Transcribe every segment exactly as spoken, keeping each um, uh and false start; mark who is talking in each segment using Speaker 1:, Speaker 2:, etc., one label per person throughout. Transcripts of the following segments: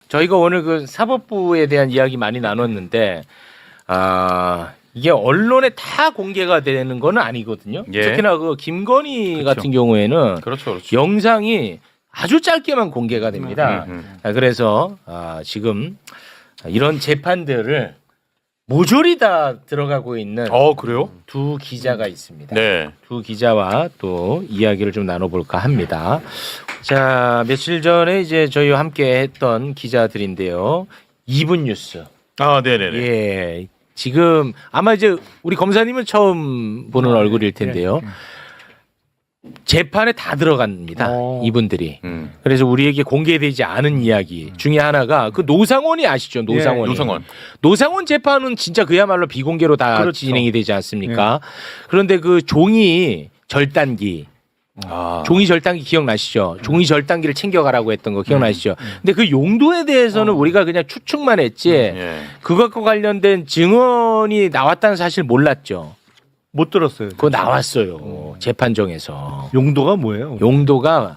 Speaker 1: 저희가 오늘 그 사법부에 대한 이야기 많이 나눴는데 아 이게 언론에 다 공개가 되는 건 아니거든요.
Speaker 2: 예.
Speaker 1: 특히나 그 김건희
Speaker 2: 그렇죠.
Speaker 1: 같은 경우에는
Speaker 2: 그렇죠, 그렇죠.
Speaker 1: 영상이 아주 짧게만 공개가 됩니다.
Speaker 2: 음, 음.
Speaker 1: 아, 그래서 아, 지금 이런 재판들을 모조리 다 들어가고 있는
Speaker 2: 어 그래요?
Speaker 1: 두 기자가 있습니다.
Speaker 2: 네.
Speaker 1: 두 기자와 또 이야기를 좀 나눠볼까 합니다. 자, 며칠 전에 이제 저희와 함께 했던 기자들인데요. 이분 뉴스.
Speaker 2: 아, 네네네.
Speaker 1: 예. 지금 아마 이제 우리 검사님은 처음 보는 얼굴일 텐데요. 재판에 다 들어갑니다.
Speaker 3: 어.
Speaker 1: 이분들이.
Speaker 2: 음.
Speaker 1: 그래서 우리에게 공개되지 않은 이야기 중에 하나가 그 노상원이 아시죠? 노상원이.
Speaker 2: 노상원.
Speaker 1: 노상원 재판은 진짜 그야말로 비공개로 다
Speaker 3: 그렇죠.
Speaker 1: 진행이 되지 않습니까? 그런데 그 종이 절단기
Speaker 2: 아.
Speaker 1: 종이 절단기 기억나시죠? 종이 절단기를 챙겨가라고 했던 거 기억나시죠? 근데 그 용도에 대해서는 우리가 그냥 추측만 했지
Speaker 2: 예.
Speaker 1: 그것과 관련된 증언이 나왔다는 사실 몰랐죠.
Speaker 3: 못 들었어요.
Speaker 1: 그거 나왔어요. 재판정에서.
Speaker 3: 용도가 뭐예요?
Speaker 1: 용도가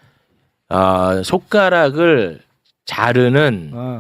Speaker 1: 아, 손가락을 자르는
Speaker 3: 아,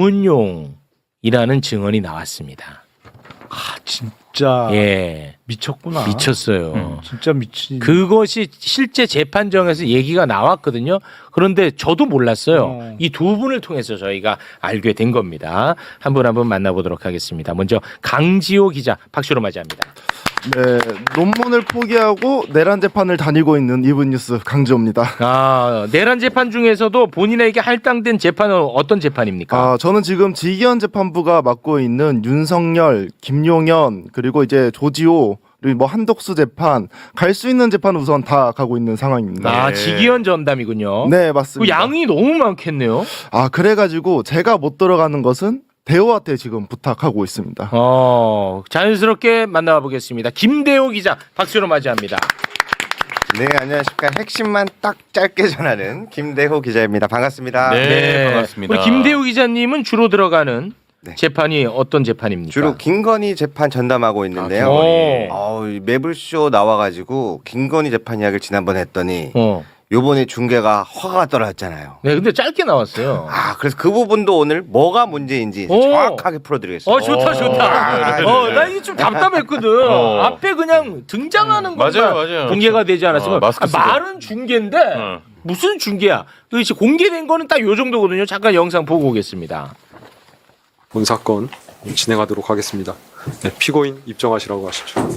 Speaker 1: 고문용이라는 증언이 나왔습니다.
Speaker 3: 아, 진짜
Speaker 1: 예.
Speaker 3: 미쳤구나.
Speaker 1: 미쳤어요.
Speaker 2: 음.
Speaker 3: 진짜 미친.
Speaker 1: 그것이 실제 재판정에서 얘기가 나왔거든요. 그런데 저도 몰랐어요.
Speaker 3: 어.
Speaker 1: 이 두 분을 통해서 저희가 알게 된 겁니다. 한 분 한 분 만나보도록 하겠습니다. 먼저 강지호 기자 박수로 맞이합니다.
Speaker 4: 네, 논문을 포기하고 내란 재판을 다니고 있는 이분 뉴스 강지호입니다.
Speaker 1: 아, 내란 재판 중에서도 본인에게 할당된 재판은 어떤 재판입니까?
Speaker 4: 아, 저는 지금 지기현 재판부가 맡고 있는 윤석열, 김용현 그리고 이제 조지호 그리고 뭐 한덕수 재판 갈 수 있는 재판은 우선 다 가고 있는 상황입니다.
Speaker 1: 아,
Speaker 2: 네.
Speaker 1: 지기현 전담이군요.
Speaker 4: 네,
Speaker 1: 그
Speaker 4: 맞습니다.
Speaker 1: 양이 너무 많겠네요.
Speaker 4: 아, 그래가지고 제가 못 들어가는 것은 대호한테 지금 부탁하고 있습니다.
Speaker 1: 어, 자연스럽게 만나봐 보겠습니다. 김대호 기자 박수로 맞이합니다.
Speaker 5: 네, 안녕하십니까. 핵심만 딱 짧게 전하는 김대호 기자입니다. 반갑습니다.
Speaker 2: 네. 반갑습니다.
Speaker 1: 우리 김대호 기자님은 주로 들어가는
Speaker 5: 네.
Speaker 1: 재판이 어떤 재판입니까?
Speaker 5: 주로 김건희 재판 전담하고 있는데요.
Speaker 1: 아, 김건희.
Speaker 5: 어, 이 매불쇼 나와가지고 김건희 재판 이야기를 지난번에 했더니
Speaker 1: 어.
Speaker 5: 요번에 중계가 허가가 떨어졌잖아요.
Speaker 1: 네, 근데 짧게 나왔어요.
Speaker 5: 아, 그래서 그 부분도 오늘 뭐가 문제인지
Speaker 1: 오.
Speaker 5: 정확하게 풀어드리겠습니다.
Speaker 1: 어, 좋다, 좋다.
Speaker 2: 네, 네,
Speaker 1: 어,
Speaker 2: 네.
Speaker 1: 나 이게 좀 답답했거든.
Speaker 2: 어.
Speaker 1: 앞에 그냥 등장하는 것만
Speaker 2: 맞아요, 맞아요.
Speaker 1: 공개가
Speaker 2: 그렇죠.
Speaker 1: 되지 않았으면
Speaker 2: 어, 마스크
Speaker 1: 아,
Speaker 2: 쓰고.
Speaker 1: 말은 중계인데
Speaker 2: 어.
Speaker 1: 무슨 중계야? 그렇지 공개된 거는 딱 요 정도거든요. 잠깐 영상 보고 오겠습니다.
Speaker 6: 본 사건 진행하도록 하겠습니다. 네, 피고인 입정하시라고 하십시오.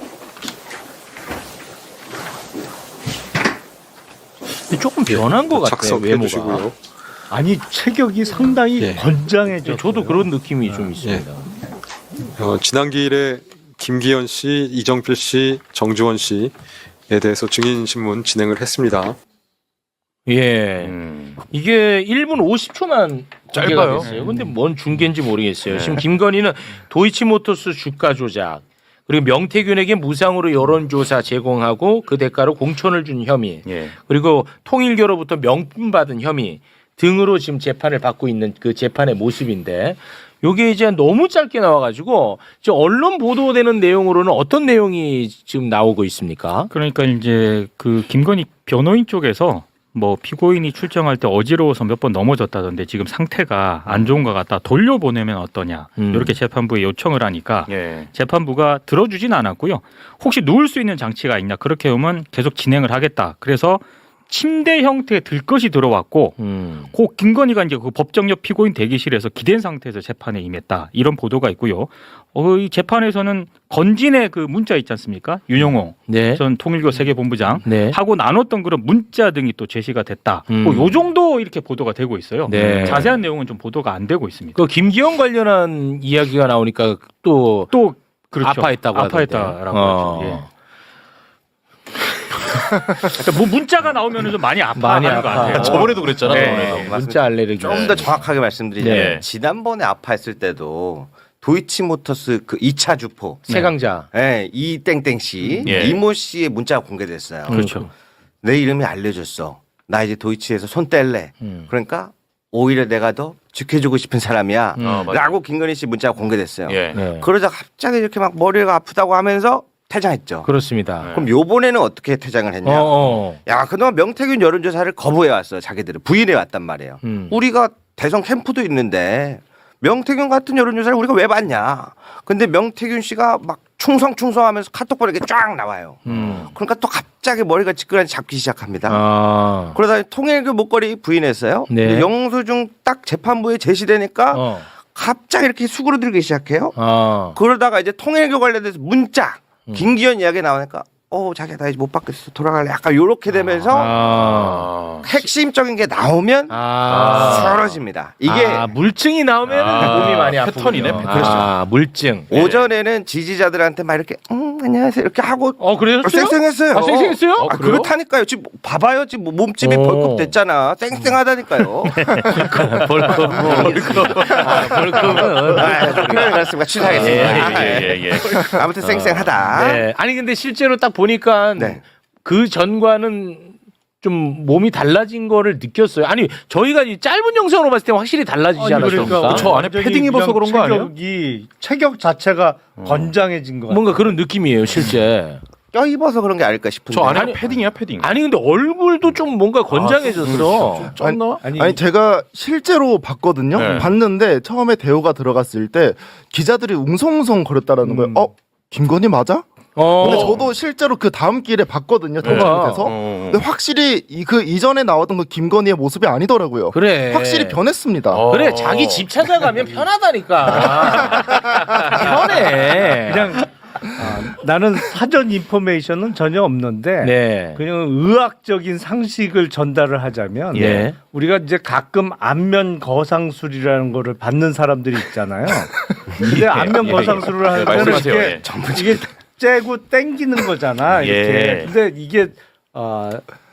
Speaker 1: 조금 변한 것 같아요.
Speaker 6: 작성해
Speaker 1: 외모가.
Speaker 6: 주시고요.
Speaker 3: 아니 체격이 상당히
Speaker 6: 예.
Speaker 3: 건장해져.
Speaker 1: 저도 그런 느낌이 좀 있습니다.
Speaker 6: 어, 지난 기일에 김기현 씨, 이정필 씨, 정주원 씨에 대해서 증인 신문 진행을 했습니다.
Speaker 1: 예.
Speaker 2: 음.
Speaker 1: 이게 일 분 오십 초만 공개가
Speaker 2: 짧아요.
Speaker 1: 됐어요. 근데 뭔 중계인지 모르겠어요. 지금 김건희는 도이치모터스 주가 조작 그리고 명태균에게 무상으로 여론조사 제공하고 그 대가로 공천을 준 혐의
Speaker 2: 예.
Speaker 1: 그리고 통일교로부터 명품 받은 혐의 등으로 지금 재판을 받고 있는 그 재판의 모습인데 요게 이제 너무 짧게 나와가지고 지금 언론 보도되는 내용으로는 어떤 내용이 지금 나오고 있습니까?
Speaker 7: 그러니까 이제 그 김건희 변호인 쪽에서 뭐 피고인이 출정할 때 어지러워서 몇 번 넘어졌다던데 지금 상태가 안 좋은 것 같다 돌려보내면 어떠냐
Speaker 1: 음.
Speaker 7: 이렇게 재판부에 요청을 하니까
Speaker 2: 예.
Speaker 7: 재판부가 들어주진 않았고요. 혹시 누울 수 있는 장치가 있냐 그렇게 하면 계속 진행을 하겠다. 그래서 침대 형태의 들것이 들어왔고
Speaker 1: 음.
Speaker 7: 고 김건희가 이제 그 법정역 피고인 대기실에서 기댄 상태에서 재판에 임했다 이런 보도가 있고요. 어, 이 재판에서는 건진의 그 문자 있지 않습니까? 윤영호
Speaker 1: 네.
Speaker 7: 전 통일교 세계본부장
Speaker 1: 네.
Speaker 7: 하고 나눴던 그런 문자 등이 또 제시가 됐다.
Speaker 1: 음.
Speaker 7: 뭐 요 정도 이렇게 보도가 되고 있어요.
Speaker 1: 네.
Speaker 7: 자세한 내용은 좀 보도가 안 되고 있습니다.
Speaker 1: 그 김기현 관련한 이야기가 나오니까 또
Speaker 7: 또 그렇죠.
Speaker 1: 아파했다고 하던데.
Speaker 7: 아파했다라고
Speaker 1: 어.
Speaker 7: 하죠. 예. 그러니까 뭐 문자가 나오면 좀 많이
Speaker 1: 많이
Speaker 7: 아파하는 것
Speaker 1: 아파.
Speaker 7: 같아요.
Speaker 2: 저번에도 그랬잖아.
Speaker 7: 네.
Speaker 2: 저번에도.
Speaker 5: 맞습니다.
Speaker 1: 문자 알레르기.
Speaker 5: 좀 더 정확하게 말씀드리자면
Speaker 2: 네.
Speaker 5: 지난번에 아파했을 때도 도이치모터스 그 이 차 주포
Speaker 1: 세강자.
Speaker 5: 네, 이 땡땡 씨,
Speaker 2: 예.
Speaker 5: 이모 씨의 문자가 공개됐어요.
Speaker 7: 그렇죠.
Speaker 5: 내 이름이 알려졌어. 나 이제 도이치에서 손 뗄래.
Speaker 1: 음.
Speaker 5: 그러니까 오히려 내가 더 지켜주고 싶은 사람이야.
Speaker 1: 음.
Speaker 2: 어, 맞아.
Speaker 5: 라고 김건희 씨 문자가 공개됐어요.
Speaker 2: 예.
Speaker 1: 네.
Speaker 5: 그러자 갑자기 이렇게 막 머리가 아프다고 하면서 퇴장했죠.
Speaker 1: 그렇습니다.
Speaker 2: 네.
Speaker 5: 그럼 요번에는 어떻게 퇴장을 했냐?
Speaker 1: 어, 어.
Speaker 5: 야, 그동안 명태균 여론조사를 거부해 왔어요. 자기들은 부인해 왔단 말이에요.
Speaker 1: 음.
Speaker 5: 우리가 대선 캠프도 있는데 명태균 같은 여론조사를 우리가 왜 받냐. 근데 명태균 씨가 막 충성충성하면서 카톡 보내게 쫙 나와요.
Speaker 1: 음.
Speaker 5: 그러니까 또 갑자기 머리가 지끈하게 잡기 시작합니다.
Speaker 1: 아.
Speaker 5: 그러다 통일교 목걸이 부인했어요.
Speaker 1: 네.
Speaker 5: 근데 영수증 딱 재판부에 제시되니까
Speaker 1: 어.
Speaker 5: 갑자기 이렇게 수그러들기 시작해요.
Speaker 1: 아.
Speaker 5: 그러다가 이제 통일교 관련돼서 문자
Speaker 1: 음.
Speaker 5: 김기현 이야기 나오니까 어 자기야 나 이제 못 받겠어 돌아갈래 약간 요렇게 되면서
Speaker 1: 아.
Speaker 5: 핵심적인 게 나오면
Speaker 1: 아.
Speaker 5: 쓰러집니다. 이게
Speaker 1: 아, 물증이 나오면
Speaker 2: 아,
Speaker 1: 몸이 많이 아프군요.
Speaker 2: 패턴이네, 패턴.
Speaker 1: 아, 물증.
Speaker 5: 오전에는 지지자들한테 막 이렇게 음 안녕하세요 이렇게 하고
Speaker 1: 어, 그래요?
Speaker 5: 쌩쌩했어요.
Speaker 1: 아, 쌩쌩했어요?
Speaker 5: 아, 그렇다니까요. 지금 봐봐요. 지금 뭐 몸집이
Speaker 1: 오.
Speaker 5: 벌컥 됐잖아. 쌩쌩하다니까요.
Speaker 1: 벌컥. 벌컥. 아, 벌컥은.
Speaker 5: 아, 그렇습니다. 취소하겠습니다.
Speaker 2: 예, 예, 예.
Speaker 5: 아무튼 쌩쌩하다.
Speaker 1: 네. 아니, 근데 실제로 딱 보니까
Speaker 5: 네.
Speaker 1: 그 전과는 좀 몸이 달라진 거를 느꼈어요. 아니, 저희가 이 짧은 영상으로 봤을 때 확실히 달라지지
Speaker 3: 아니,
Speaker 1: 않았습니까?
Speaker 3: 그러니까
Speaker 2: 저 안에
Speaker 3: 완전히
Speaker 2: 패딩 입어서
Speaker 3: 그냥
Speaker 2: 그런 거 아니에요?
Speaker 3: 체격이 체격 자체가 건장해진 거 같아요.
Speaker 1: 뭔가 그런 느낌이에요, 실제.
Speaker 5: 껴입어서 그런 게 아닐까 싶은데.
Speaker 2: 저 안에가
Speaker 1: 아니,
Speaker 2: 패딩이야, 패딩.
Speaker 1: 아니, 근데 얼굴도 좀 뭔가 건장해졌어.
Speaker 2: 쪘나?
Speaker 3: 아니,
Speaker 4: 아니 제가 실제로 봤거든요.
Speaker 2: 네.
Speaker 4: 봤는데 처음에 대호가 들어갔을 때 기자들이 웅성웅성 거렸다라는
Speaker 3: 음.
Speaker 4: 거예요. 어 김건희 맞아?
Speaker 1: 어.
Speaker 4: 근데 저도 실제로 그 다음 길에 봤거든요. 대통령께서.
Speaker 2: 어.
Speaker 4: 근데 확실히 이, 그 이전에 나왔던 그 김건희의 모습이 아니더라고요.
Speaker 1: 그래.
Speaker 4: 확실히 변했습니다.
Speaker 2: 어.
Speaker 1: 그래, 자기 집 찾아가면 편하다니까. 편해.
Speaker 3: 그냥 아, 나는 사전 인포메이션은 전혀 없는데
Speaker 1: 네.
Speaker 3: 그냥 의학적인 상식을 전달을 하자면
Speaker 1: 예.
Speaker 3: 우리가 이제 가끔 안면 거상술이라는 거를 받는 사람들이 있잖아요. 근데 안면
Speaker 2: 예,
Speaker 3: 거상술을
Speaker 2: 예.
Speaker 3: 하면
Speaker 2: 말씀하세요.
Speaker 3: 이게
Speaker 2: 예.
Speaker 3: 이게 째고 땡기는 거잖아. 이렇게.
Speaker 2: 예.
Speaker 3: 근데 이게 어,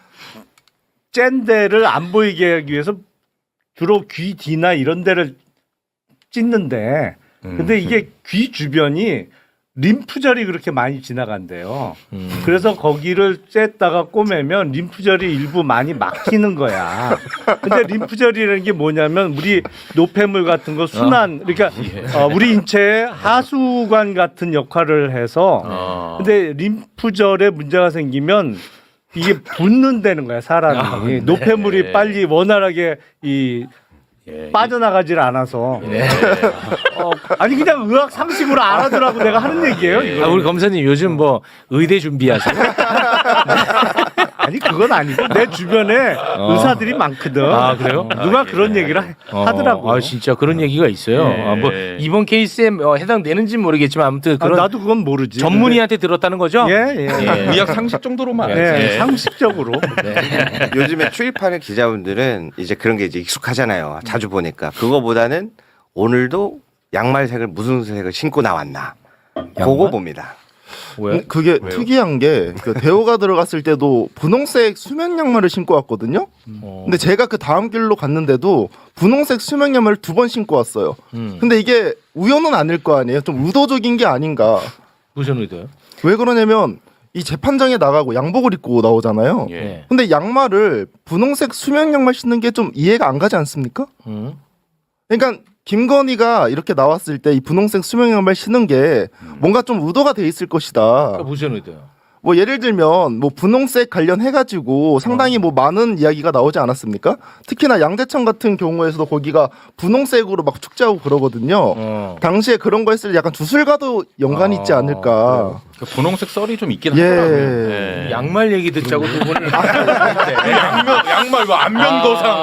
Speaker 3: 짠 데를 안 보이게 하기 위해서 주로 귀 뒤나 이런 데를 찢는데 근데 이게 귀 주변이 림프절이 그렇게 많이 지나간대요.
Speaker 1: 음.
Speaker 3: 그래서 거기를 쬐다가 꼬매면 림프절이 일부 많이 막히는 거야. 근데 림프절이라는 게 뭐냐면 우리 노폐물 같은 거 순환, 그러니까 어, 우리 인체의 하수관 같은 역할을 해서
Speaker 2: 어.
Speaker 3: 근데 림프절에 문제가 생기면 이게 붓는다는 거야, 사람이.
Speaker 1: 아, 네.
Speaker 3: 노폐물이 빨리 원활하게 이
Speaker 2: 예.
Speaker 3: 빠져나가질 않아서.
Speaker 1: 네.
Speaker 3: 어, 아니 그냥 의학 상식으로 알아두라고 내가 하는 얘기예요. 이거.
Speaker 1: 아, 우리 검사님 요즘 뭐 의대 준비하세요?
Speaker 3: 아니 그건 아니고 내 주변에 의사들이 많거든.
Speaker 1: 아, 그래요?
Speaker 3: 어, 누가 그런 얘기를 하- 하더라고.
Speaker 1: 아, 진짜 그런 얘기가 있어요.
Speaker 3: 예.
Speaker 1: 아, 뭐 이번 케이스에 뭐 해당되는지는 모르겠지만 아무튼
Speaker 3: 아,
Speaker 1: 그런
Speaker 3: 나도 그건 모르지.
Speaker 1: 전문의한테 들었다는 거죠?
Speaker 3: 근데- 예, 예.
Speaker 1: 예.
Speaker 2: 의학 상식 정도로만.
Speaker 3: 예,
Speaker 2: 알지. 예.
Speaker 3: 상식적으로.
Speaker 5: 요즘에 출입하는 기자분들은 이제 그런 게 이제 익숙하잖아요. 자주 보니까. 그거보다는 오늘도 양말색을 무슨 색을 신고 나왔나. 그거 봅니다.
Speaker 1: 왜?
Speaker 4: 그게
Speaker 2: 왜요?
Speaker 4: 특이한 게 그 대호가 들어갔을 때도 분홍색 수면 양말을 신고 왔거든요.
Speaker 1: 어.
Speaker 4: 근데 제가 그 다음 길로 갔는데도 분홍색 수면 양말을 두 번 신고 왔어요.
Speaker 1: 음.
Speaker 4: 근데 이게 우연은 아닐 거 아니에요. 좀 의도적인 게 아닌가.
Speaker 1: 무슨 의도요?
Speaker 4: 왜 그러냐면 이 재판장에 나가고 양복을 입고 나오잖아요.
Speaker 2: 예.
Speaker 1: 예.
Speaker 4: 근데 양말을 분홍색 수면 양말 신는 게 좀 이해가 안 가지 않습니까?
Speaker 1: 음.
Speaker 4: 그러니까 김건희가 이렇게 나왔을 때 이 분홍색 수면 양말 신는 게 뭔가 좀 의도가 돼 있을 것이다.
Speaker 1: 그러니까 무슨 의도요?
Speaker 4: 뭐 예를 들면 뭐 분홍색 관련해 가지고 상당히 뭐 많은 이야기가 나오지 않았습니까? 특히나 양재천 같은 경우에서도 거기가 분홍색으로 막 축제하고 그러거든요.
Speaker 1: 어.
Speaker 4: 당시에 그런 거 했을 때 약간 주술과도 연관이 있지
Speaker 1: 아,
Speaker 4: 않을까.
Speaker 2: 그 분홍색 썰이 좀 있긴
Speaker 4: 예.
Speaker 2: 하더라고요. 예.
Speaker 1: 양말 얘기 듣자고 두 분을
Speaker 2: 양말, 양말 이거 안면 거상.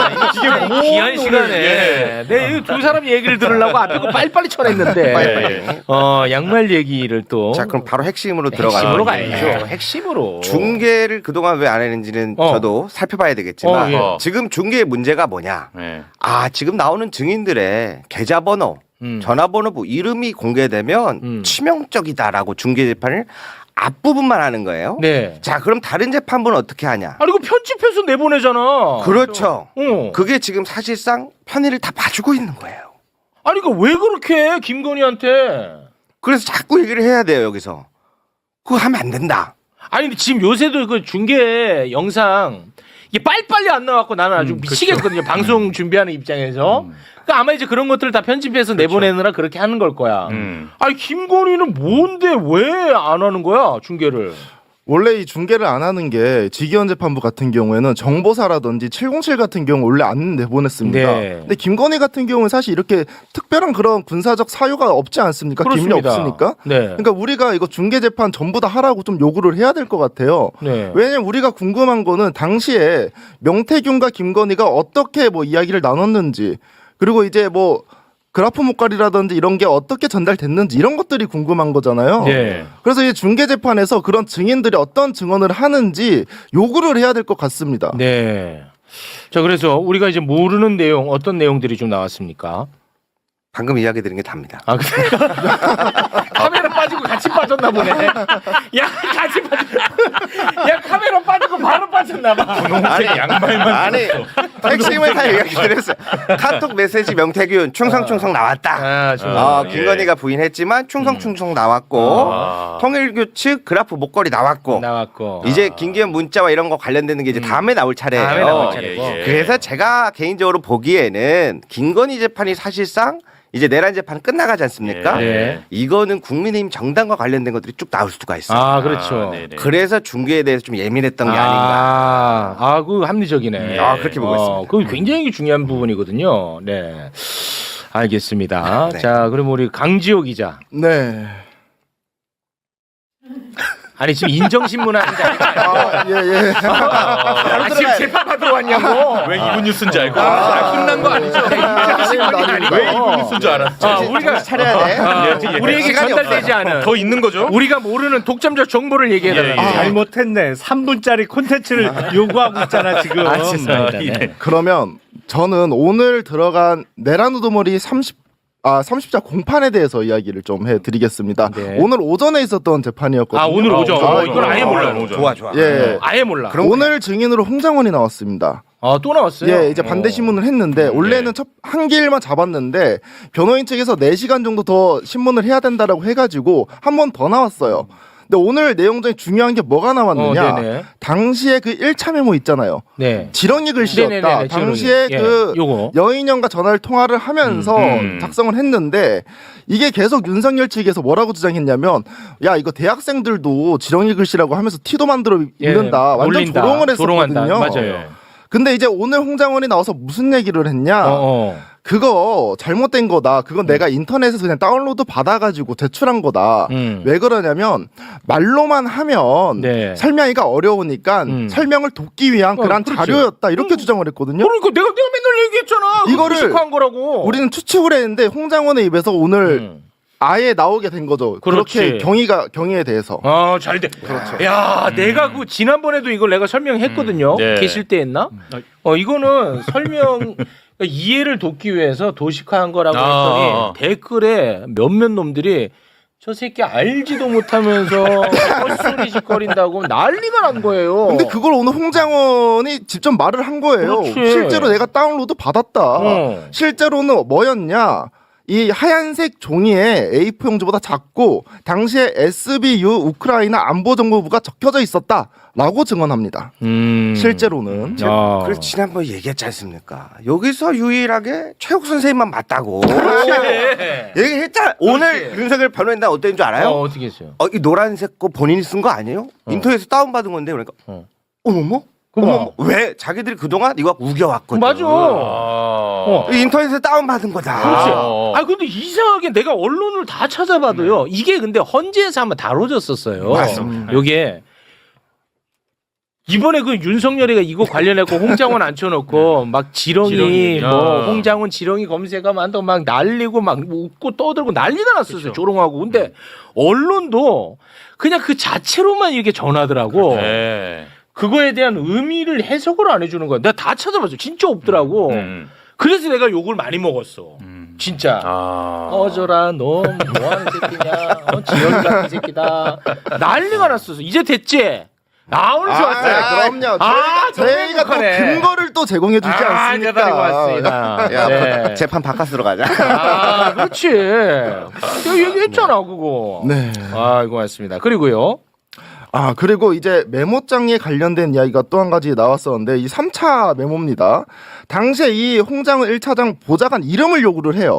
Speaker 1: 이게 뭐 귀한 시간에 내 두 사람 얘기를 들으려고 앞에 거 빨리빨리 쳐냈는데
Speaker 2: 예.
Speaker 1: 어 양말 얘기를 또
Speaker 5: 자, 그럼 바로 핵심으로
Speaker 1: 핵심으로
Speaker 5: 들어가요.
Speaker 1: 가야죠. 핵심으로
Speaker 5: 중계를 그동안 왜 안 했는지는
Speaker 1: 어.
Speaker 5: 저도 살펴봐야 되겠지만
Speaker 1: 어, 예.
Speaker 5: 지금 중계의 문제가 뭐냐?
Speaker 2: 예.
Speaker 5: 아, 지금 나오는 증인들의 계좌번호,
Speaker 1: 음.
Speaker 5: 전화번호, 뭐 이름이 공개되면
Speaker 1: 음.
Speaker 5: 치명적이다라고 중계 재판을 앞부분만 하는 거예요.
Speaker 1: 네.
Speaker 5: 자, 그럼 다른 재판부는 어떻게 하냐?
Speaker 1: 아니 이거 편집해서 내보내잖아.
Speaker 5: 그렇죠.
Speaker 1: 어.
Speaker 5: 그게 지금 사실상 편의를 다 봐주고 있는 거예요.
Speaker 1: 아니 그러니까 왜 그렇게 해 김건희한테?
Speaker 5: 그래서 자꾸 얘기를 해야 돼요, 여기서. 그거 하면 안 된다.
Speaker 1: 아니 근데 지금 요새도 그 중계 영상 이게 빨리빨리 안 나왔고 나는 아주
Speaker 3: 음,
Speaker 1: 미치겠거든요. 방송 준비하는 입장에서. 그러니까 아마 이제 그런 것들을 다 편집해서 내보내느라 그렇게 하는 걸 거야.
Speaker 2: 음.
Speaker 1: 아니 김건희는 뭔데 왜 안 하는 거야 중계를?
Speaker 4: 원래 이 중계를 안 하는 게 지기현 재판부 같은 경우에는 정보사라든지 칠공칠 같은 경우 원래 안 내보냈습니다.
Speaker 1: 네.
Speaker 4: 근데 김건희 같은 경우는 사실 이렇게 특별한 그런 군사적 사유가 없지 않습니까? 기밀이
Speaker 1: 그렇습니다.
Speaker 4: 없으니까.
Speaker 1: 네.
Speaker 4: 그러니까 우리가 이거 중계 재판 전부 다 하라고 좀 요구를 해야 될 것 같아요.
Speaker 1: 네.
Speaker 4: 왜냐면 우리가 궁금한 거는 당시에 명태균과 김건희가 어떻게 뭐 이야기를 나눴는지, 그리고 이제 뭐 그래프 목걸이라든지 이런 게 어떻게 전달됐는지 이런 것들이 궁금한 거잖아요.
Speaker 1: 네.
Speaker 4: 그래서 이 중계 재판에서 그런 증인들이 어떤 증언을 하는지 요구를 해야 될 것 같습니다.
Speaker 1: 네. 자, 그래서 우리가 이제 모르는 내용 어떤 내용들이 좀 나왔습니까?
Speaker 5: 방금 이야기 드린 게 답니다.
Speaker 1: 아, 그래. 카메라 빠지고 같이 빠졌나 보네. 야, 같이 빠졌. 야, 카메라 빠지고 바로 빠졌나 봐.
Speaker 2: 아니 양말만
Speaker 5: 아니 핵심을 다 얘기 드렸어요. 카톡 메시지 명태균 충성충성 나왔다.
Speaker 1: 아, 좀.
Speaker 5: 어,
Speaker 2: 예.
Speaker 5: 김건희가 부인했지만 충성충성 나왔고
Speaker 2: 아.
Speaker 5: 통일교측 그래프 목걸이 나왔고
Speaker 1: 나왔고.
Speaker 5: 이제 김기현 문자와 이런 거 관련되는 게 이제 다음에 나올 차례예요.
Speaker 1: 다음에 나올 차례고.
Speaker 2: 예, 예.
Speaker 5: 그래서 제가 개인적으로 보기에는 김건희 재판이 사실상 이제 내란 재판 끝나가지 않습니까?
Speaker 1: 네.
Speaker 5: 이거는 국민의힘 정당과 관련된 것들이 쭉 나올 수가 있어요.
Speaker 1: 아, 그렇죠.
Speaker 2: 아, 네네.
Speaker 5: 그래서 중계에 대해서 좀 예민했던 게 아닌가.
Speaker 1: 아, 아, 그 합리적이네.
Speaker 5: 아, 그렇게 보고 있습니다.
Speaker 1: 그 굉장히 중요한 부분이거든요. 네. 알겠습니다.
Speaker 5: 네.
Speaker 1: 자, 그럼 우리 강지호 기자.
Speaker 4: 네.
Speaker 1: 아니, 지금 인정신문 하는데.
Speaker 4: 아, 예, 예.
Speaker 1: 아, 지금 재판받으러 왔냐고.
Speaker 2: 왜 이분 뉴스인지 알고 아, 끝난 거 아니죠?
Speaker 1: 인정신문이 아니고.
Speaker 2: 왜 이분 뉴스인 줄 알았죠?
Speaker 1: 아, 우리가
Speaker 5: 차려야 돼.
Speaker 1: 아,
Speaker 2: 예, 예.
Speaker 1: 우리에게
Speaker 5: 시간이
Speaker 1: 전달되지 않은
Speaker 2: 더 있는 거죠?
Speaker 1: 우리가 모르는 독점적 정보를 얘기해달라.
Speaker 2: 예, 예.
Speaker 3: 아, 잘못했네. 삼 분짜리 콘텐츠를 요구하고 있잖아 지금.
Speaker 1: 아, 죄송합니다. 네.
Speaker 4: 그러면 저는 오늘 들어간 내란 우두머리 삼십 아 삼십 자 공판에 대해서 이야기를 좀 해드리겠습니다.
Speaker 1: 네.
Speaker 4: 오늘 오전에 있었던 재판이었거든요.
Speaker 1: 아, 오늘 오죠.
Speaker 4: 아,
Speaker 1: 어, 이건 아예 몰라요.
Speaker 5: 좋아 좋아.
Speaker 4: 예.
Speaker 1: 아예 몰라.
Speaker 4: 오늘 증인으로 홍장원이 나왔습니다.
Speaker 1: 아, 또 나왔어요?
Speaker 4: 예, 이제 반대 신문을 했는데 원래는 첫 한 길만 잡았는데 변호인 측에서 네 시간 정도 더 신문을 해야 된다라고 해가지고 한 번 더 나왔어요. 근데 오늘 내용 중에 중요한 게 뭐가 나왔느냐?
Speaker 1: 어, 네네.
Speaker 4: 당시에 그 일 차 메모 있잖아요.
Speaker 1: 네.
Speaker 4: 지렁이 글씨였다.
Speaker 1: 네네네,
Speaker 4: 당시에
Speaker 1: 지렁이. 예,
Speaker 4: 그
Speaker 1: 요거.
Speaker 4: 여인형과 전화를 통화를 하면서
Speaker 2: 음.
Speaker 4: 작성을 했는데 이게 계속 윤석열 측에서 뭐라고 주장했냐면 야 이거 대학생들도 지렁이 글씨라고 하면서 티도 만들어
Speaker 1: 예,
Speaker 4: 읽는다. 완전
Speaker 1: 놀린다.
Speaker 4: 조롱을
Speaker 1: 조롱한다.
Speaker 4: 했었거든요.
Speaker 1: 맞아요.
Speaker 4: 근데 이제 오늘 홍장원이 나와서 무슨 얘기를 했냐?
Speaker 1: 어, 어.
Speaker 4: 그거 잘못된 거다. 그건 내가 인터넷에서 그냥 다운로드 받아가지고 제출한 거다.
Speaker 1: 음.
Speaker 4: 왜 그러냐면 말로만 하면
Speaker 1: 네.
Speaker 4: 설명하기가 어려우니까
Speaker 1: 음.
Speaker 4: 설명을 돕기 위한
Speaker 1: 어,
Speaker 4: 그런
Speaker 1: 그렇지.
Speaker 4: 자료였다. 이렇게
Speaker 1: 음.
Speaker 4: 주장을 했거든요.
Speaker 1: 그러니까 내가 내가 맨날 얘기했잖아.
Speaker 4: 이거를
Speaker 1: 무식한 거라고.
Speaker 4: 우리는 추측을 했는데 홍장원의 입에서 오늘
Speaker 1: 음.
Speaker 4: 아예 나오게 된 거죠.
Speaker 1: 그렇지.
Speaker 4: 그렇게 경위가 경위에 대해서.
Speaker 1: 아, 잘 돼. 그렇죠. 야, 내가 그 지난번에도 이걸 내가 설명했거든요.
Speaker 2: 음. 네.
Speaker 1: 계실 때 했나? 어, 이거는 설명 그러니까 이해를 돕기 위해서 도식화한 거라고
Speaker 2: 아.
Speaker 1: 했더니 댓글에 몇몇 놈들이 저 새끼 알지도 못하면서 헛소리짓거린다고 난리가 난 거예요.
Speaker 4: 근데 그걸 오늘 홍장원이 직접 말을 한 거예요.
Speaker 1: 그렇지.
Speaker 4: 실제로 내가 다운로드 받았다.
Speaker 1: 어.
Speaker 4: 실제로는 뭐였냐? 이 하얀색 종이에 에이 사 용지보다 작고 당시에 에스비유 우크라이나 안보정보부가 적혀져 있었다라고 증언합니다.
Speaker 1: 음.
Speaker 4: 실제로는.
Speaker 1: 야.
Speaker 5: 그래서 지난번에 얘기했지 않습니까? 여기서 유일하게 최욱 선생님만 맞다고.
Speaker 1: 그래.
Speaker 5: 얘기했잖아. 오늘 윤석열 변호인단 어땠는 줄 알아요?
Speaker 1: 어, 어떻게 했어요?
Speaker 5: 어, 이 노란색 거 본인이 쓴 거 아니에요? 인터넷에서 다운받은 건데 그러니까
Speaker 1: 어.
Speaker 5: 어머머?
Speaker 1: 그만.
Speaker 5: 어머머? 왜? 자기들이 그동안 이거 우겨왔거든.
Speaker 1: 맞아.
Speaker 2: 어.
Speaker 5: 이 인터넷에서 다운받은 거다.
Speaker 1: 그렇지.
Speaker 2: 아.
Speaker 1: 아, 근데 이상하게 내가 언론을 다 찾아봐도요. 이게 근데 헌재에서 한번 다뤄졌었어요.
Speaker 5: 맞습니다.
Speaker 1: 요게 이번에 그 윤석열이가 이거 관련해서 홍장원 앉혀놓고 막 지렁이,
Speaker 2: 지렁이.
Speaker 1: 뭐
Speaker 2: 아.
Speaker 1: 홍장원 지렁이 검색하면 한다고 막 날리고 막 웃고 떠들고 난리가 났었어요.
Speaker 2: 그쵸.
Speaker 1: 조롱하고. 근데 언론도 그냥 그 자체로만 이렇게 전하더라고.
Speaker 2: 네.
Speaker 1: 그거에 대한 의미를 해석을 안 해주는 거야. 내가 다 찾아봤어. 진짜 없더라고.
Speaker 2: 음.
Speaker 1: 그래서 내가 욕을 많이 먹었어.
Speaker 2: 음.
Speaker 1: 진짜.
Speaker 2: 아.
Speaker 1: 꺼져라 너 뭐하는 새끼냐. 어, 지렁이 같은 새끼다. 난리가 났었어. 이제 됐지? 아 오늘 좋았어요.
Speaker 4: 아, 그럼요.
Speaker 1: 아,
Speaker 4: 저희가 또
Speaker 1: 행복하네.
Speaker 4: 근거를 또 제공해 주지
Speaker 1: 아,
Speaker 4: 않습니까?
Speaker 1: 이제 다리고 왔습니다.
Speaker 5: 야,
Speaker 1: 네.
Speaker 5: 재판 바깥으로 가자.
Speaker 1: 아, 그렇지. 내가 얘기했잖아, 그거.
Speaker 4: 네.
Speaker 1: 아, 이거 맞습니다. 그리고요.
Speaker 4: 아, 그리고 이제 메모장에 관련된 이야기가 또 한 가지 나왔었는데 이 삼 차 메모입니다. 당시에 이 홍장은 일 차장 보좌관 이름을 요구를 해요.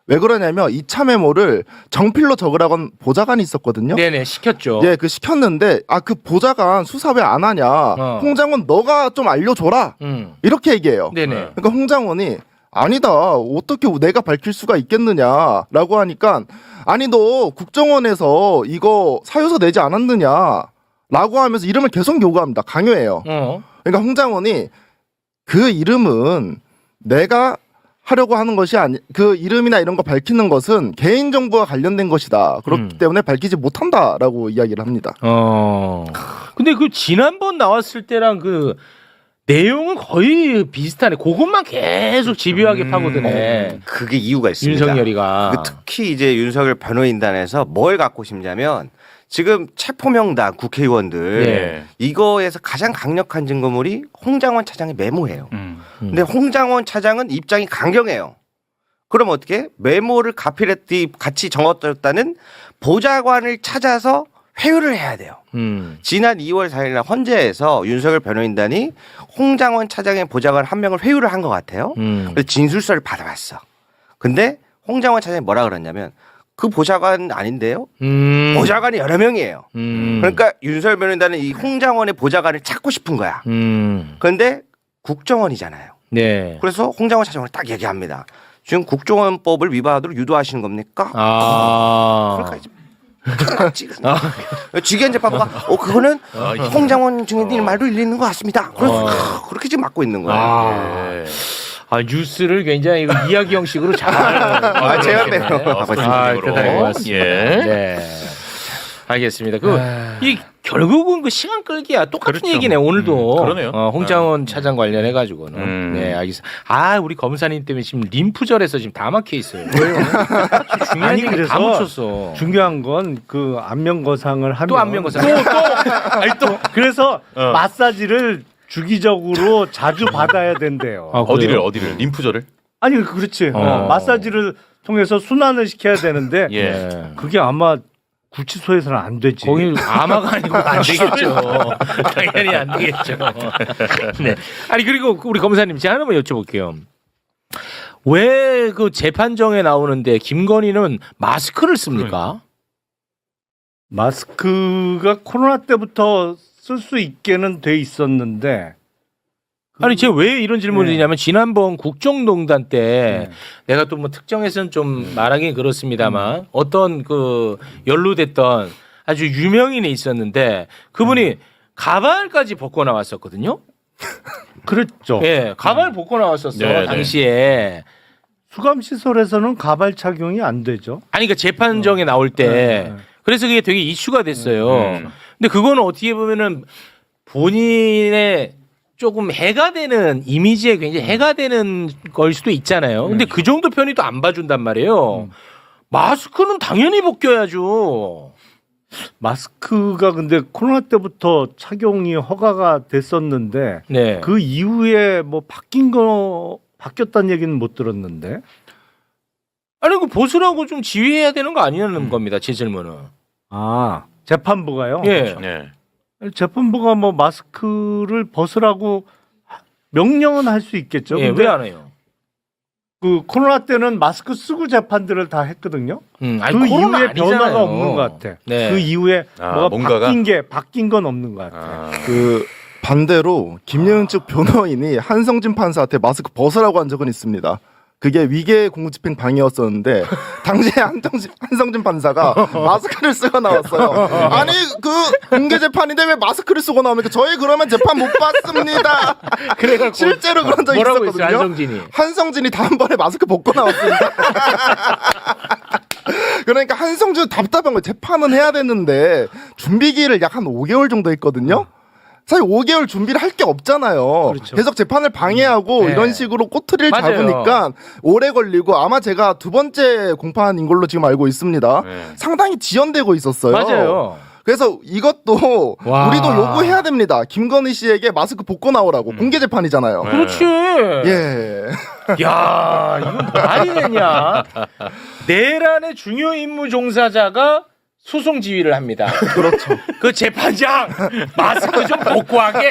Speaker 4: 왜 그러냐면 이 차 메모를 정필로 적으라고 한 보좌관이 있었거든요.
Speaker 1: 네네 시켰죠.
Speaker 4: 예, 그 시켰는데 아 그 보좌관 수사 왜 안 하냐?
Speaker 1: 어.
Speaker 4: 홍장원 너가 좀 알려줘라.
Speaker 1: 음.
Speaker 4: 이렇게 얘기해요.
Speaker 1: 네네.
Speaker 4: 그러니까 홍장원이 아니다. 어떻게 내가 밝힐 수가 있겠느냐라고 하니까 아니 너 국정원에서 이거 사유서 내지 않았느냐라고 하면서 이름을 계속 요구합니다. 강요해요.
Speaker 1: 어.
Speaker 4: 그러니까 홍장원이 그 이름은 내가 하려고 하는 것이 아니 그 이름이나 이런 거 밝히는 것은 개인 정보와 관련된 것이다. 그렇기
Speaker 1: 음.
Speaker 4: 때문에 밝히지 못한다라고 이야기를 합니다.
Speaker 1: 어. 근데 그 지난번 나왔을 때랑 그 내용은 거의 비슷하네. 그것만 계속 집요하게
Speaker 2: 음.
Speaker 1: 파고드네.
Speaker 5: 그게 이유가 있습니다.
Speaker 1: 윤석열이가.
Speaker 5: 그 특히 이제 윤석열 변호인단에서 뭘 갖고 싶냐면 지금 체포명단 국회의원들
Speaker 1: 네.
Speaker 5: 이거에서 가장 강력한 증거물이 홍장원 차장의 메모예요.
Speaker 7: 음.
Speaker 5: 근데 홍장원 차장은 입장이 강경해요. 그럼 어떻게? 메모를 가필했더니 같이 적었다는 보좌관을 찾아서 회유를 해야 돼요.
Speaker 1: 음.
Speaker 5: 지난 이월 사일 날 헌재에서 윤석열 변호인단이 홍장원 차장의 보좌관 한 명을 회유를 한 것 같아요.
Speaker 1: 음.
Speaker 5: 그래서 진술서를 받아왔어. 근데 홍장원 차장이 뭐라 그랬냐면 그 보좌관 아닌데요?
Speaker 1: 음.
Speaker 5: 보좌관이 여러 명이에요.
Speaker 1: 음.
Speaker 5: 그러니까 윤석열 변호인단은 이 홍장원의 보좌관을 찾고 싶은 거야.
Speaker 1: 음.
Speaker 5: 그런데 국정원이잖아요.
Speaker 1: 네.
Speaker 5: 그래서 홍장원 차장은 딱 얘기합니다. 지금 국정원법을 위반하도록 유도하시는 겁니까?
Speaker 1: 아.
Speaker 5: 그러니까 이제 지기현 재판부가 어 그거는 홍장원 증인님 말도 일리 있는 것 같습니다. 그래서
Speaker 1: 어.
Speaker 5: 그렇게 지금 맡고 있는 거예요.
Speaker 1: 아.
Speaker 2: 예.
Speaker 1: 아 뉴스를 굉장히 이거 이야기 형식으로 잘.
Speaker 5: 아, 제가 빼요.
Speaker 1: 아, 대단히 고맙습니다.
Speaker 2: 예.
Speaker 1: 네. 알겠습니다. 그 이 결국은 그 시간 끌기야 똑같은
Speaker 2: 그렇죠.
Speaker 1: 얘기네 오늘도.
Speaker 2: 음, 그러네요.
Speaker 1: 어, 홍장원 차장 관련해 가지고는.
Speaker 2: 음.
Speaker 1: 네, 알겠습니다. 아, 우리 검사님 때문에 지금 림프절에서 지금 다 막혀 있어요. 왜요? 중요한
Speaker 3: 아니,
Speaker 1: 얘기
Speaker 3: 그래서
Speaker 1: 다 묻혔어.
Speaker 3: 중요한 건 그 안면거상을 하면
Speaker 1: 또 안면거상.
Speaker 3: 또, 또 아니 또 그래서
Speaker 2: 어.
Speaker 3: 마사지를 주기적으로 자주 받아야 된대요.
Speaker 1: 아, 그래요?
Speaker 2: 어디를 어디를 림프절을?
Speaker 3: 아니 그렇지.
Speaker 1: 어.
Speaker 3: 어, 마사지를 통해서 순환을 시켜야 되는데
Speaker 2: 예.
Speaker 1: 네.
Speaker 3: 그게 아마 구치소에서는 안 되지.
Speaker 1: 거기 아마가 아니고 안 되겠죠. 당연히 안 되겠죠. 네. 아니 그리고 우리 검사님 제가 하나만 여쭤볼게요. 왜 그 재판정에 나오는데 김건희는 마스크를 씁니까?
Speaker 3: 마스크가 코로나 때부터 쓸 수 있게는 돼 있었는데
Speaker 1: 아니 제가 왜 이런 질문을
Speaker 3: 네.
Speaker 1: 드리냐면 지난번 국정농단 때
Speaker 3: 네.
Speaker 1: 내가 또 뭐 특정해서는 좀 말하기 그렇습니다만 어떤 그 연루됐던 아주 유명인이 있었는데 그분이 가발까지 벗고 나왔었거든요.
Speaker 3: 그랬죠.
Speaker 1: 예, 가발 벗고 나왔었어
Speaker 2: 네, 네.
Speaker 1: 당시에.
Speaker 3: 수감 시설에서는 가발 착용이 안 되죠.
Speaker 1: 아니 그러니까 재판정에 나올 때
Speaker 3: 네, 네.
Speaker 1: 그래서 그게 되게 이슈가 됐어요.
Speaker 2: 음.
Speaker 1: 근데 그거는 어떻게 보면은 본인의 조금 해가 되는 이미지에 굉장히 해가 되는 걸 수도 있잖아요. 근데 그 정도 편의도 안 봐준단 말이에요. 마스크는 당연히 벗겨야죠.
Speaker 3: 마스크가 근데 코로나 때부터 착용이 허가가 됐었는데
Speaker 1: 네.
Speaker 3: 그 이후에 뭐 바뀐 거 바뀌었다는 얘기는 못 들었는데.
Speaker 1: 아니 그 벗으라고 좀 지휘해야 되는 거 아니냐는 겁니다. 제 질문은.
Speaker 3: 아 재판부가요?
Speaker 1: 예.
Speaker 2: 예.
Speaker 3: 재판부가 뭐 마스크를 벗으라고 명령은 할 수 있겠죠.
Speaker 1: 예,
Speaker 3: 근데
Speaker 1: 왜 안 해요?
Speaker 3: 그 코로나 때는 마스크 쓰고 재판들을 다 했거든요.
Speaker 1: 음, 아니,
Speaker 3: 그
Speaker 1: 코로나
Speaker 3: 이후에
Speaker 1: 아니잖아요.
Speaker 3: 변화가 없는 것 같아.
Speaker 1: 네.
Speaker 3: 그 이후에
Speaker 2: 아,
Speaker 3: 뭐가
Speaker 2: 뭔가가?
Speaker 3: 바뀐 게 바뀐 건 없는 것 같아.
Speaker 2: 아.
Speaker 4: 그 반대로 김예은 측 변호인이 한성진 판사한테 마스크 벗으라고 한 적은 있습니다. 그게 위계 공무집행 방해였었는데 당시에 한정진, 한성진 판사가 마스크를 쓰고 나왔어요. 아니 그 공개 재판인데 왜 마스크를 쓰고 나옵니까? 저희 그러면 재판 못 받습니다.
Speaker 1: 그래가
Speaker 4: 실제로 그런 적이
Speaker 1: 뭐라고
Speaker 4: 있었거든요.
Speaker 1: 했어요, 한성진이?
Speaker 4: 한성진이 다음번에 마스크 벗고 나왔습니다. 그러니까 한성준 답답한 거예요. 재판은 해야 되는데 준비기를 약 한 오 개월 정도 했거든요. 사실 오 개월 준비를 할 게 없잖아요.
Speaker 3: 그렇죠.
Speaker 4: 계속 재판을 방해하고
Speaker 1: 네.
Speaker 4: 이런 식으로 꼬투리를
Speaker 1: 맞아요.
Speaker 4: 잡으니까 오래 걸리고 아마 제가 두 번째 공판인 걸로 지금 알고 있습니다.
Speaker 2: 네.
Speaker 4: 상당히 지연되고 있었어요.
Speaker 1: 맞아요.
Speaker 4: 그래서 이것도
Speaker 1: 와.
Speaker 4: 우리도 요구해야 됩니다. 김건희 씨에게 마스크 벗고 나오라고.
Speaker 2: 음.
Speaker 4: 공개 재판이잖아요.
Speaker 2: 네.
Speaker 1: 그렇지.
Speaker 4: 예.
Speaker 1: 야, 이건 말이 되냐? 내란의 중요 임무 종사자가 소송 지휘를 합니다.
Speaker 4: 그렇죠.
Speaker 1: 그 재판장 마스크 좀 벗고 하게.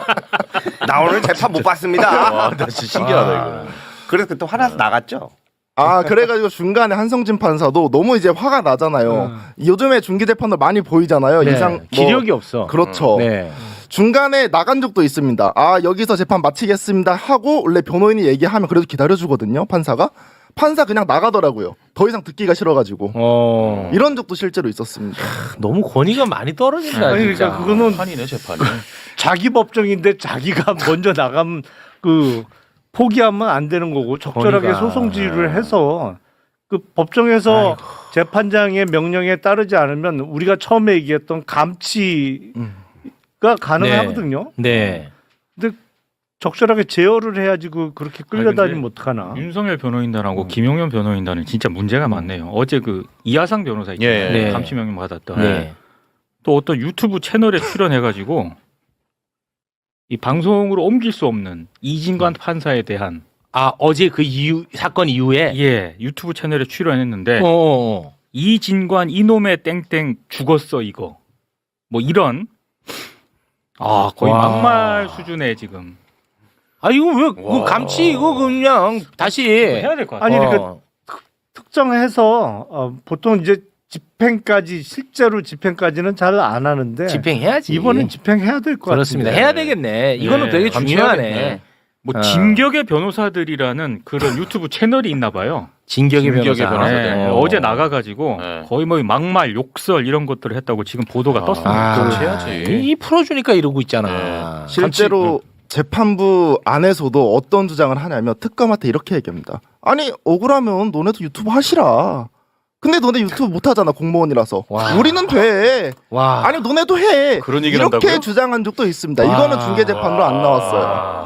Speaker 5: 나 오늘 재판 못 봤습니다.
Speaker 2: 와, 나 진짜 신기하다 이거.
Speaker 5: 그래서 또 화나서 나갔죠.
Speaker 4: 아 그래가지고 중간에 한성진 판사도 너무 이제 화가 나잖아요. 요즘에 중기 재판도 많이 보이잖아요.
Speaker 1: 네,
Speaker 4: 이상 뭐,
Speaker 1: 기력이 없어.
Speaker 4: 그렇죠.
Speaker 1: 네.
Speaker 4: 중간에 나간 적도 있습니다. 아 여기서 재판 마치겠습니다 하고 원래 변호인이 얘기하면 그래도 기다려주거든요. 판사가 판사 그냥 나가더라고요. 더 이상 듣기가 싫어가지고
Speaker 1: 어.
Speaker 4: 이런 적도 실제로 있었습니다.
Speaker 1: 너무 권위가 많이 떨어진다.
Speaker 3: 아니,
Speaker 1: 진짜.
Speaker 3: 그러니까 그거는
Speaker 2: 판이네 재판이.
Speaker 3: 자기 법정인데 자기가 먼저 나가면 그 포기하면 안 되는 거고 적절하게
Speaker 1: 권위가.
Speaker 3: 소송 지휘를 해서 그 법정에서 재판장의 명령에 따르지 않으면 우리가 처음에 얘기했던 감치가
Speaker 4: 음.
Speaker 3: 가능하거든요.
Speaker 1: 네.
Speaker 3: 근데 적절하게 제어를 해야지 그 그렇게 끌려다니면
Speaker 7: 근데
Speaker 3: 어떡하나.
Speaker 7: 윤석열 변호인단하고
Speaker 3: 음.
Speaker 7: 김용현 변호인단은 진짜 문제가 많네요. 어제 그 이하상 변호사 있잖아요.
Speaker 2: 예,
Speaker 1: 네.
Speaker 7: 감시 명령 받았던.
Speaker 1: 네.
Speaker 7: 또 어떤 유튜브 채널에 출연해가지고 이 방송으로 옮길 수 없는 이진관 판사에 대한
Speaker 1: 아 어제 그 이후 사건 이후에.
Speaker 7: 예 유튜브 채널에 출연했는데
Speaker 1: 어, 어. 어.
Speaker 7: 이진관 이놈의 땡땡 죽었어 이거 뭐 이런 아 거의
Speaker 1: 와.
Speaker 7: 막말 수준의 지금
Speaker 1: 아 이거 왜 그
Speaker 2: 와.
Speaker 1: 감치 이거 그냥 다시
Speaker 7: 해야 될 것 같아요.
Speaker 3: 아니,
Speaker 1: 어.
Speaker 3: 그러니까 특정해서 어, 보통 이제 집행까지 실제로 집행까지는 잘 안 하는데
Speaker 1: 집행해야지.
Speaker 3: 이번엔 집행해야 될 것 같아요.
Speaker 1: 그렇습니다. 해야 되겠네. 이거는
Speaker 7: 네,
Speaker 1: 되게 중요하네.
Speaker 2: 감시해야겠네.
Speaker 7: 뭐
Speaker 1: 어.
Speaker 7: 진격의 변호사들이라는 그런 유튜브 채널이 있나 봐요.
Speaker 1: 진격의
Speaker 2: 진격의
Speaker 1: 변호사.
Speaker 2: 변호사들.
Speaker 7: 네,
Speaker 1: 어.
Speaker 7: 어제 나가가지고
Speaker 2: 네.
Speaker 7: 거의 뭐 막말, 욕설 이런 것들을 했다고 지금 보도가 떴습니다.
Speaker 1: 아,
Speaker 2: 감시해야지.
Speaker 1: 이 풀어주니까 이러고 있잖아.
Speaker 4: 실제로 재판부 안에서도 어떤 주장을 하냐면 특검한테 이렇게 얘기합니다. 아니 억울하면 너네도 유튜브 하시라. 근데 너네 유튜브 못 하잖아 공무원이라서.
Speaker 1: 와.
Speaker 4: 우리는 돼.
Speaker 1: 와.
Speaker 4: 아니 너네도 해.
Speaker 2: 그런 얘기를
Speaker 4: 이렇게
Speaker 2: 한다고요?
Speaker 4: 주장한 적도 있습니다.
Speaker 1: 와.
Speaker 4: 이거는 중계 재판으로 안 나왔어요.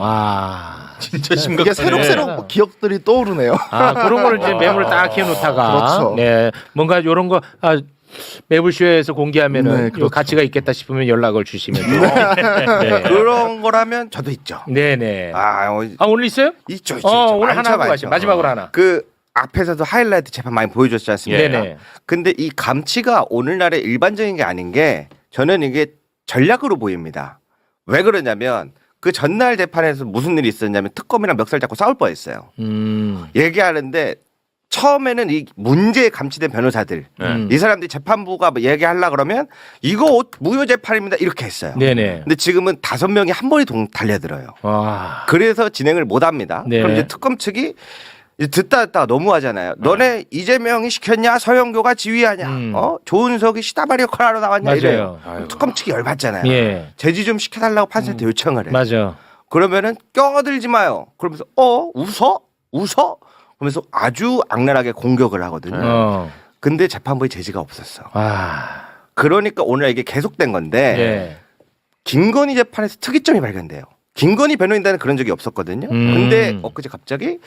Speaker 1: 와.
Speaker 2: 진짜
Speaker 4: 이게
Speaker 2: 심각하네.
Speaker 4: 새록새록 기억들이 떠오르네요.
Speaker 1: 아 그런 거를 이제 매물을 딱 해놓다가
Speaker 4: 그렇죠.
Speaker 1: 네 뭔가 이런 거 아, 매불쇼에서 공개하면은
Speaker 4: 네,
Speaker 1: 요
Speaker 4: 그렇죠.
Speaker 1: 가치가 있겠다 싶으면 연락을 주시면 돼요. 네.
Speaker 5: 그런 거라면 저도 있죠.
Speaker 1: 네네. 아,
Speaker 5: 아, 어,
Speaker 1: 오늘 있어요?
Speaker 5: 있죠, 있죠.
Speaker 1: 어
Speaker 5: 있죠.
Speaker 1: 오늘
Speaker 5: 많죠,
Speaker 1: 하나 하고
Speaker 5: 많죠.
Speaker 1: 가시 마지막으로 하나.
Speaker 5: 그 앞에서도 하이라이트 재판 많이 보여줬지 않습니까?
Speaker 1: 네네.
Speaker 5: 근데 이 감치가 오늘날의 일반적인 게 아닌 게 저는 이게 전략으로 보입니다. 왜 그러냐면 그 전날 재판에서 무슨 일이 있었냐면 특검이랑 멱살 잡고 싸울 뻔했어요.
Speaker 1: 음.
Speaker 5: 얘기하는데 처음에는 이 문제에 감치된 변호사들
Speaker 1: 음.
Speaker 5: 이 사람들이 재판부가 뭐 얘기하려 그러면 이거 무효 재판입니다 이렇게 했어요.
Speaker 1: 네네.
Speaker 5: 근데 지금은 다섯 명이 한 번에 동 달려들어요.
Speaker 1: 와.
Speaker 5: 그래서 진행을 못 합니다.
Speaker 1: 네.
Speaker 5: 그럼 이제 특검 측이 이제 듣다 듣다 너무하잖아요. 너네 이재명이 시켰냐 서영교가 지휘하냐
Speaker 1: 음.
Speaker 5: 어 조은석이 시다바리 역할하러 나왔냐
Speaker 1: 맞아요.
Speaker 5: 이래요.
Speaker 2: 아이고.
Speaker 5: 특검 측이 열받잖아요.
Speaker 1: 예.
Speaker 5: 제지 좀 시켜달라고 판사한테 요청을 해.
Speaker 1: 맞아.
Speaker 5: 그러면은 껴들지 마요. 그러면서 어 웃어 웃어 그러면서 아주 악랄하게 공격을 하거든요.
Speaker 1: 어.
Speaker 5: 근데 재판부에 제지가 없었어.
Speaker 1: 와.
Speaker 5: 그러니까 오늘 이게 계속된 건데
Speaker 1: 예.
Speaker 5: 김건희 재판에서 특이점이 발견돼요. 김건희 변호인단은 그런 적이 없었거든요.
Speaker 1: 음.
Speaker 5: 근데 엊그제 갑자기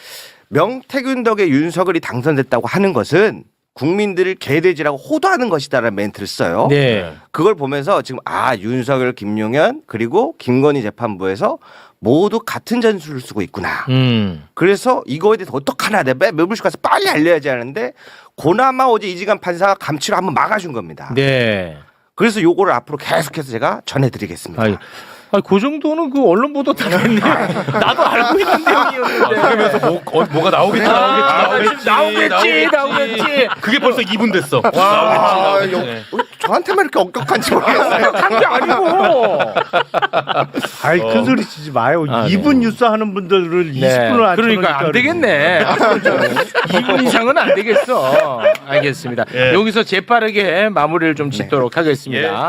Speaker 5: 명태균 덕에 윤석열이 당선됐다고 하는 것은 국민들을 개돼지라고 호도하는 것이다라는 멘트를 써요.
Speaker 1: 네.
Speaker 5: 그걸 보면서 지금 아 윤석열, 김용현 그리고 김건희 재판부에서 모두 같은 전술을 쓰고 있구나.
Speaker 1: 음.
Speaker 5: 그래서 이거에 대해서 어떡하나 내가 매불쇼 가서 빨리 알려야지 하는데 고나마 어제 이지간 판사가 감치로 한번 막아준 겁니다.
Speaker 1: 네.
Speaker 5: 그래서 요거를 앞으로 계속해서 제가 전해드리겠습니다.
Speaker 1: 아이, 아, 그 정도는 그 언론 보도 당했네. 나도 알고 있는 내용이었는데.
Speaker 2: 그러면서 뭐, 어, 뭐가 나오겠지,
Speaker 1: 아,
Speaker 2: 나오겠지,
Speaker 1: 나오겠지, 나오겠지.
Speaker 2: 그게 벌써 이 분 됐어.
Speaker 5: 아,
Speaker 2: 나오겠지,
Speaker 5: 여-
Speaker 2: 나오겠지.
Speaker 5: 어, 저한테만 이렇게 엄격한지 모르겠어요.
Speaker 1: 한 게 아니고.
Speaker 3: 아이 큰 소리 치지 마요.
Speaker 1: 아,
Speaker 3: 이 분
Speaker 1: 네.
Speaker 3: 뉴스 하는 분들을 이십 분을 안
Speaker 1: 그러니까 안
Speaker 3: 쳐놓으니까
Speaker 1: 되겠네. 이 분 이상은 안 되겠어. 알겠습니다.
Speaker 2: 예.
Speaker 1: 여기서 재빠르게 마무리를 좀 짓도록 하겠습니다.